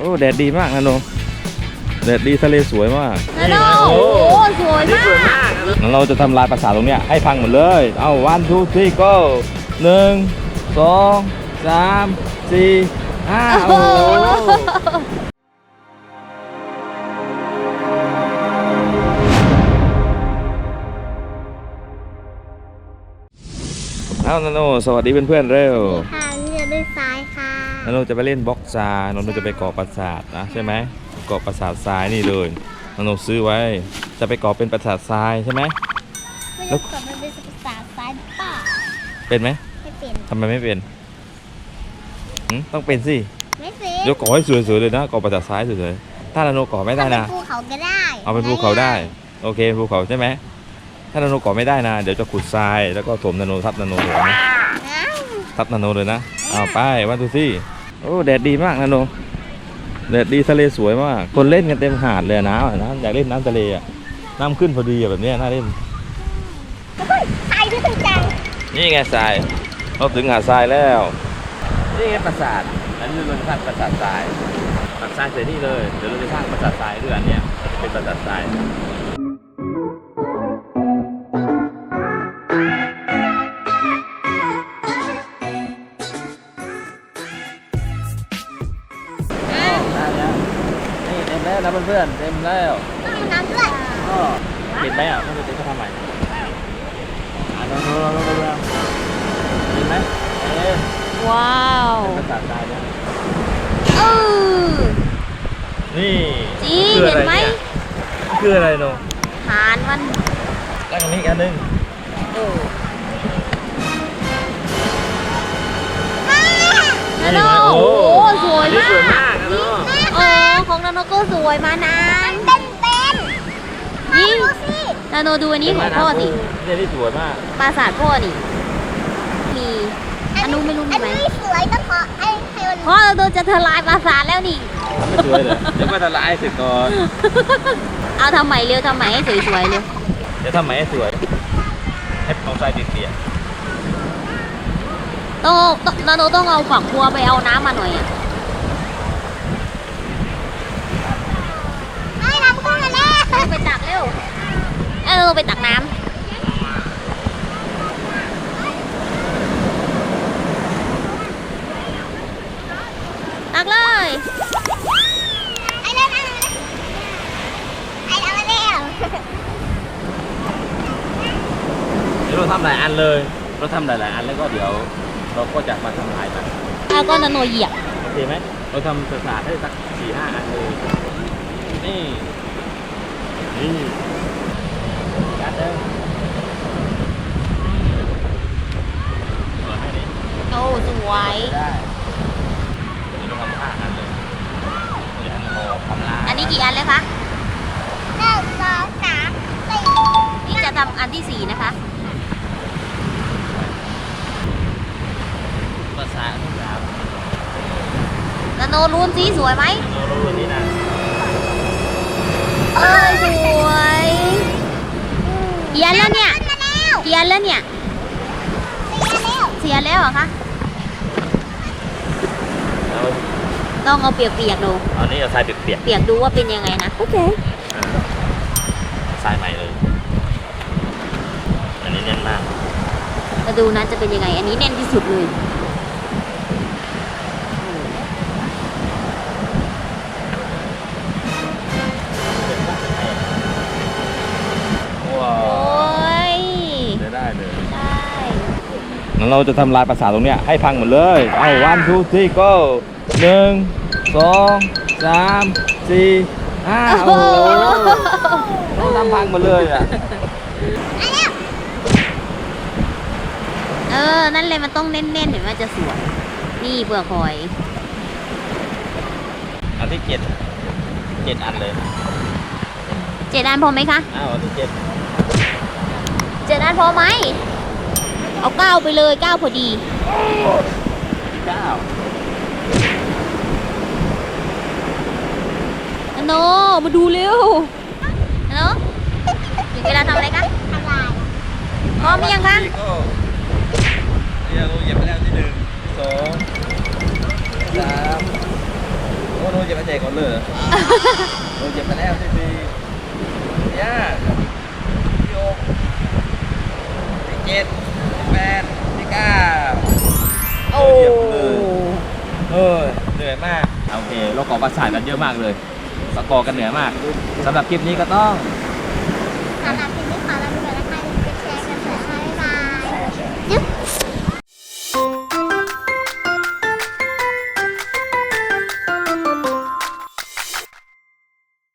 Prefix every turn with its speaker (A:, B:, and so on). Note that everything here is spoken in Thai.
A: อ้แดดดีมากนะโนแดดดีทะเลสวยมาก
B: นะโนโอ้สวยมาก
A: งั้นเราจะทำลายปราสาทตรงเนี้ยให้พังหมดเลยเอา 1 2 3 go 1 2 3 4 5โอ้เอานาโนสวัสดีเพื่อนๆเร็ว
B: ค่ะนี่จะด้วยซ้ายค่ะ
A: นาโนจะไปเล่นบล็อกซานาโนจะไปก่อปราสาทนะใช่ไหมก่อปราสาททรายนี่เลยนาโนซื้อไว้จะไปก่อเป็นปราสาททรายใช่ไหม
B: แล้วก่อมันเป็นปราสาททรายป่ะ
A: เป็นไหม
B: ไม่เป็น
A: ทำไมไม่เป็นต้องเป็นสิ
B: ไม่เป็น
A: เดี๋ยวก่อให้สวยๆเลยนะก่อปราสาททรายสวยๆถ้านาโนก่อไม่ได้นะ
B: ภูเขาก็ได้
A: เอาเป็นภูเขาได้โอเคภูเขาใช่ไหมถ้านาโนก่อไม่ได้นะเดี๋ยวจะขุดทรายแล้วก็ถมนาโนทับนาโนเลยนะทับนาโนเลยนะเอาไปวันดูสิโอ้แดดดีมากนาโนแดดดีทะเลสวยมากคนเล่นกันเต็มหาดเลยนะอยากเล่นน้ำทะเลอ่ะน้ำขึ้นพอดีแบบนี้น่าเล่น
B: ทรายด้วยจัง
A: นี่ไงทรายเราถึงหาดทรายแล้วนี่ไงปราสาทอันนี้เราจะสร้างปราสาททรายปราสาทเสร็จนี่เลยเดี๋ยวเราจะสร้างปราสาททรายด้วยอันเนี้ยเป็นปราสาททรายแล้วเพื่อนๆเต็มแล้ว
B: ต้องน้ำด้วย
A: ก็เห็นไหมอ่ะต้องไปซื้อเขาทำใหม่ลองเห็นไหม
B: ว้าว
A: เป็นภาษาไทยนะนี่
B: จริงเห็นไหม
A: คืออะไรโน
B: หานมัน
A: แล้วตรงนี้อีกอันนึง
B: นาโนโอ้สวยมากของนาโนก็สวยมานานเป็นนี่นาโนดูอันนี้ของพ่อสิ
A: นี่สวยมาก
B: ปราสาทพ่อนี่มีอันนู้นไม่รู้มีไหมอันนี้สวยต้องขอให้พ่อนาโนจะทลายปราสาทแล้วนี่
A: ไม่สวยเลยเดี๋ยวก็ทลายเสร็จก่อน
B: เอาทำใหม่เร็วทำใหม่ให้สวยๆเร็ว
A: เดี๋ยวทำใหม่ให้สวยให้เอาทรายเปียก
B: นาโนต้องเอาฝักบัวไปเอาน้ำมาหน่อยอ่ะให้น้ำขึ้นมาแล้วไปตักเร็วไปตักน้ำตักเลยไอ้เล่นไอ้เอามาแล้ว
A: เดี๋ยวเราทำหลายอันเลยเราทำหลายอันแล้วก็เดี๋ยวเราก็จะมาทำลายมัน
B: แล้วก็นาโนเหยียบ
A: โอเคไหมเราทำปราสาทให้สัก 4-5 อันเลยนี่กัดเด้อ
B: โอ้สวย
A: ได้เดี๋ยวเราทำ5 อันเลยเดี๋ยวเราทำลาย
B: อันนี้กี่อันเลยคะ1 2 3 4นี่จะทำอันที่4นะคะ
A: ปราสาทครับ
B: นาโนรูนสีสวยไหม
A: นาโนรูนนี่นะ
B: สวยเขียนแล้วเนี่ยเขียนแล้วเนี่ยเสียแล้วเหรอคะต้องเอาเปียกๆดู
A: อันนี้เอาทรายเปียก
B: ดูว่าเป็นยังไงนะโอเค
A: ทรายใหม่เลยอันนี้แน่นมาก
B: มาดูนะจะเป็นยังไงอันนี้แน่นที่สุดเลย
A: ได้งั้นเราจะทำลายปราสาทตรงเนี้ยให้พังหมดเลยเอา 1 2 3 go 1 2 3 4 5โอ้โหต้องทำพังหมดเลยอ่ะ
B: นั่นเลยมันต้องเน้นๆเห็นว่าจะสวยนี่เปลือกหอย
A: อันที่7 อันเลย
B: 7 อันพอไหมคะ
A: อันที่
B: 7 อันพอไหมเอา9ไปเลย9พอดีโนมาดูเร็วโนถึงเวลาทำอะไรคะทำลายพร้อมยังคะ
A: เหยียบไปแล้วที่1 2 3 อ้โหเจ็บมาแจกก่อนเลยโอ้เจ็บมาแล้วที่สี่ย่าที่หกที่เจ็ดที่แปดที่เก้าโอ้เหนื่อยมากโอเคโรคกอประสาทกันเยอะมากเลยสกอร์กันเหนื่อยมากสำหรับคลิปนี้ก็ต้อง
B: สำหรับคลิปนี้